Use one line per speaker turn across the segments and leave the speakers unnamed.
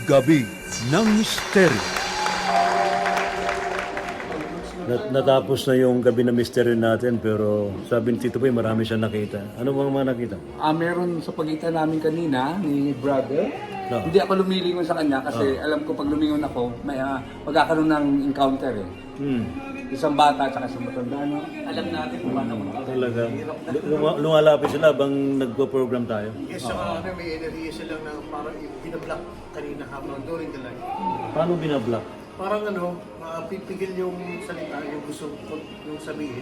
Gabi ng Misteryo. Natapos na yung gabi na misteryo natin, pero sabi ni Tito Boy, marami siyang nakita. Ano bang mga nakita?
Meron sa pagitan namin kanina ni brother.
No.
Hindi ako lumilingon sa kanya kasi alam ko pag lumingon ako, may magkakaroon ng encounter eh. Isang bata at isang matanda. No? Alam natin kung paano mo.
Talaga. Lumalapit sila habang nagpo-program tayo.
Yes, saka may energy sila na parang binablock kanina habang during the live.
Paano binablock?
Parang pipigil yung salita, yung gusto yung sabihin.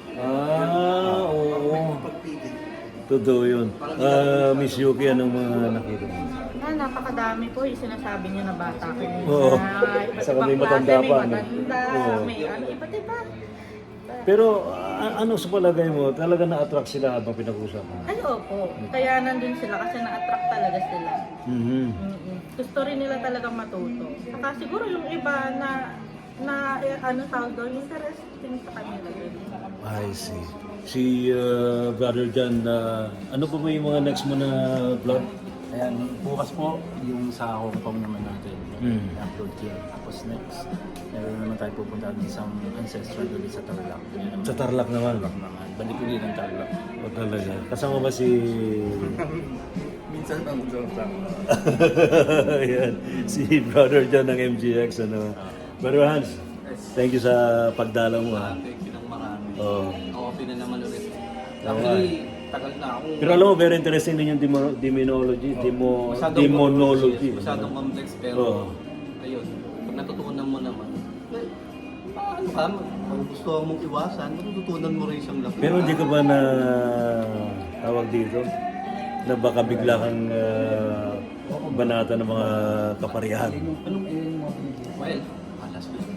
Oo.
Pagpigil.
Totoo yun. Miss Yuki, anong mga nakita mo?
Napakadami po yung sinasabi niyo na bata ko.
Oo.
Iba't
Saka
ibang
may matanda
klase,
pa,
may
no?
matanda,
Oo.
may iba't iba.
Pero ano sa palagay mo, talaga na-attract sila habang pinag-usapan?
Ay, opo. Kaya nandun sila kasi na-attract talaga sila.
Mm-hmm.
Gusto rin nila talagang matuto. Saka siguro yung iba na tawag doon, interesting sa kanila din.
I see. Si Brother John, ano po ba yung mga next mo na vlog?
Ayan, bukas po yung sa Hong Kong naman natin. I-upload yun. Tapos next, meron naman tayo pupunta sa isang ancestral ulit sa Tarlac.
Sa Tarlac naman.
Balik ulit ng Tarlac.
O talaga. Kasama ba si...
Minsan ang joke.
Ayan, si Brother John ng MGX. Brother Hans, thank you sa pagdalaw mo ha.
Thank you ng marami.
Oo.
Okay na naman ulit.
Tama.
Actually, tagal na ako.
Pero alam mo, very interesting din yung demonology. Demonology.
Masyadong complex pero
Oo.
ayun, pag natutunan mo naman, ano ka, kung gusto mong iwasan, matututunan mo rin siyang laki.
Pero hindi ka ba na tawag dito? Na baka bigla kang banata ng mga kaparihan?
Well, alas mo.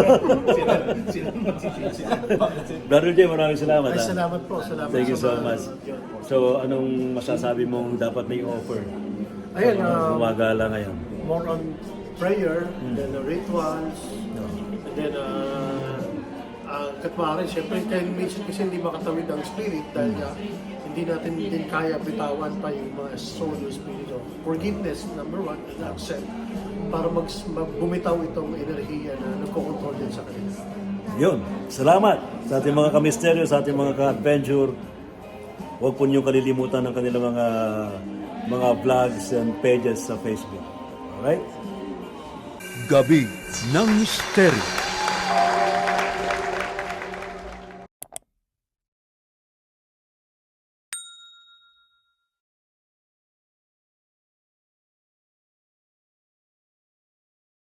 Brother Jay, maraming salamat.
Ay,
ha?
salamat po. Salamat
Thank you so
sa mga-
much. So, anong masasabi mong dapat na i-offer?
Ayan,
Gumagala ngayon.
more on prayer, then rituals, and then katmarin, syempre, kahit minsan kasi hindi makatawid ang spirit dahil hindi natin din kaya bitawan pa yung mga soul or spirit. So, forgiveness, number one, and accept, para bumitaw itong enerhiya na nagkocontrol din sa kanila.
Yun. Salamat sa ating mga kamisteryo, sa ating mga ka-adventure. Huwag po niyong kalilimutan ng kanilang mga vlogs and pages sa Facebook. Alright?
Gabi ng Misteryo.